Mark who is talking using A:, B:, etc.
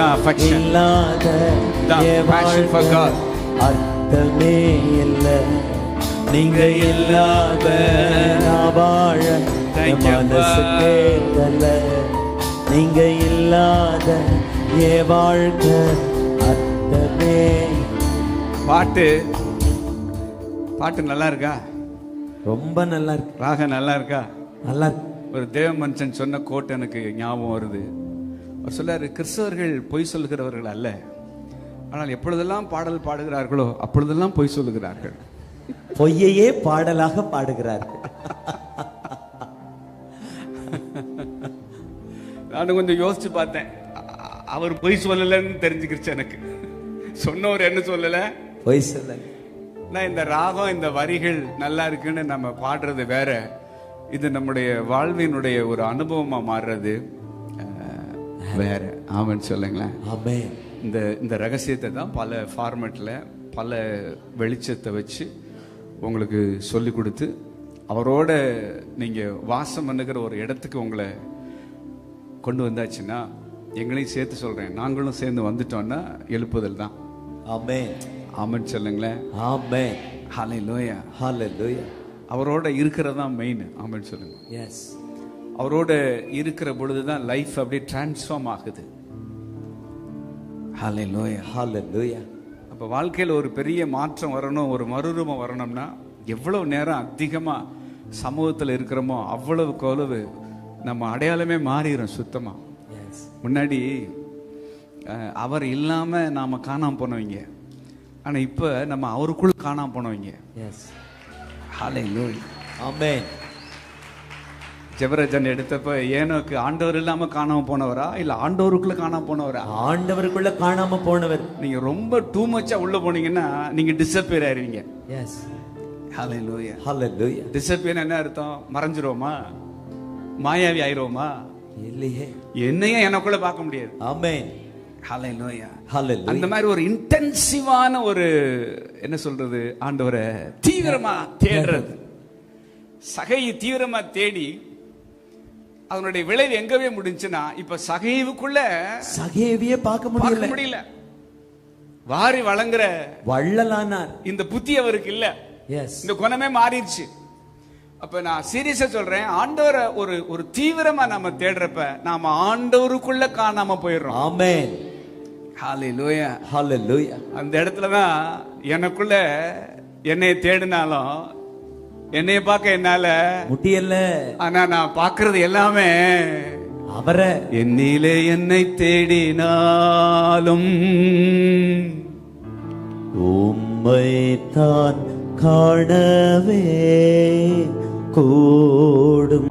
A: affection.
B: இல்லாத
A: The passion for God.
B: அர்த்தமே இல்லை. நீங்க இல்லாத நான் வாழ
A: Thank you,
B: மனசு கேட்கல. நீங்க இல்லாத என் வாழ்க்கை அர்த்தமே.
A: பாட்டு நல்லா இருக்கா?
B: ரொம்ப நல்லா இருக்கு.
A: ராகம் நல்லா இருக்கா?
B: நல்லா இருக்கு.
A: ஒரு தேவ மனுஷன் சொன்ன கோட் எனக்கு ஞாபகம் வருது. அவர் சொல்லாரு, கிறிஸ்தவர்கள் பொய் சொல்லுகிறவர்கள் அல்ல, ஆனால் எப்பொழுதெல்லாம் பாடல் பாடுகிறார்களோ அப்பொழுதெல்லாம் பொய் சொல்லுகிறார்கள்.
B: பொய்யையே பாடலாக பாடுகிறார்கள்.
A: நானும் கொஞ்சம் யோசிச்சு பார்த்தேன். அவர் பொய் சொல்லலன்னு தெரிஞ்சுக்கிடுச்சு எனக்கு. சொன்னவர் என்ன சொல்லல?
B: பொய் சொல்ல.
A: நான் இந்த ராகம் இந்த வரிகள் நல்லா இருக்குன்னு நம்ம பாடுறது வேற, இது நம்முடைய வாழ்வினுடைய ஒரு அனுபவமா மாறுறது வேற. ஆமென் சொல்லுங்களேன்.
B: ஆமென்.
A: இந்த ரகசியத்தை தான் பல ஃபார்மேட்ல பல வெளிச்சத்தை வச்சு உங்களுக்கு சொல்லி கொடுத்து அவரோட நீங்க வாசம் பண்ணுகிற ஒரு இடத்துக்கு உங்களை கொண்டு வந்தாச்சுன்னா, எங்களையும் சேர்த்து சொல்றேன், நாங்களும் சேர்ந்து வந்துட்டோம்னா எழுப்புதல் தான்.
B: ஆமென்.
A: ஆமென் சொல்லுங்களேன்.
B: ஆமென்.
A: ஹல்லேலூயா.
B: ஹல்லேலூயா.
A: அவரோட இருக்கிறது தான் மெயின். ஆமென் சொல்லுங்க.
B: எஸ்.
A: அவரோட இருக்கிற பொழுது தான் லைஃப் அப்படியே டிரான்ஸ்ஃபார்ம் ஆகுது. ஹல்லேலூயா.
B: ஹல்லேலூயா.
A: அப்போ வாழ்க்கையில் ஒரு பெரிய மாற்றம் வரணும், ஒரு மறுரூபம் வரணும்னா எவ்வளவு நேரம் அதிகமாக சமூகத்தில் இருக்கிறோமோ அவ்வளவுக்கு அவ்வளவு நம்ம அடையாளமே மாறிடும் சுத்தமா. முன்னாடி அவர் இல்லாம நாம காணாம போனவங்க, ஆனா இப்ப நம்ம அவருக்குள்ள காணாம போனவங்க. ஹல்லேலூயா.
B: ஆமென்.
A: ஜெபரஜன் எடுத்தப்ப ஏனோக்கு ஆண்டவர் இல்லாம காணாம போனவரா இல்ல ஆண்டவருக்குள்ள காணாம போனவரா?
B: ஆண்டவருக்குள்ள காணாம போனவர்.
A: நீங்க ரொம்ப டூ மச்சா உள்ள போனீங்கன்னா நீங்க டிஸப்பியர் ஆயிருவீங்க.
B: எஸ்.
A: ஹல்லேலூயா.
B: ஹல்லேலூயா.
A: டிஸப்பியர் என்ன அர்த்தம்? மறைஞ்சிரோமா, மாயாவி ஆயிரோமா?
B: இல்லையே.
A: என்னையும் எனக்குள்ள பார்க்க முடியாது.
B: ஆமென்.
A: ஹல்லேலூயா.
B: ஹல்லேலூயா.
A: அந்த மாதிரி ஒரு இன்டென்சிவான ஒரு என்ன சொல்றது, ஆண்டவரை தீவிரமா தேடுறது. சகையை தீவிரமா தேடி அதனுடைய விளைவு எங்கவே முடிஞ்சுன்னா, இப்ப சகைவுக்குள்ள
B: சகையவே பார்க்க முடியல.
A: வாரி வழங்குற
B: வள்ளலானார்.
A: இந்த புத்தி அவருக்கு இல்ல. இந்த குணமே மாறிடுச்சு. அப்ப நான் சீரியஸா சொல்றேன், ஆண்டவரை ஒரு தீவிரமா நாம தேடுறப்ப நாம ஆண்டவருக்குள்ள காணாம போயிடுறோம்.
B: ஆமென்.
A: ஹல்லேலூயா.
B: ஹல்லேலூயா.
A: அந்த இடத்துலதான் எனக்குள்ள என்னை தேடினாலும் என்னைய பார்க்க என்னால
B: முடியல.
A: ஆனா நான் பார்க்கிறது எல்லாமே
B: அவரை.
A: என்னிலே என்னை தேடினாலும்
B: உம்மை தான் காணவே கூடும்.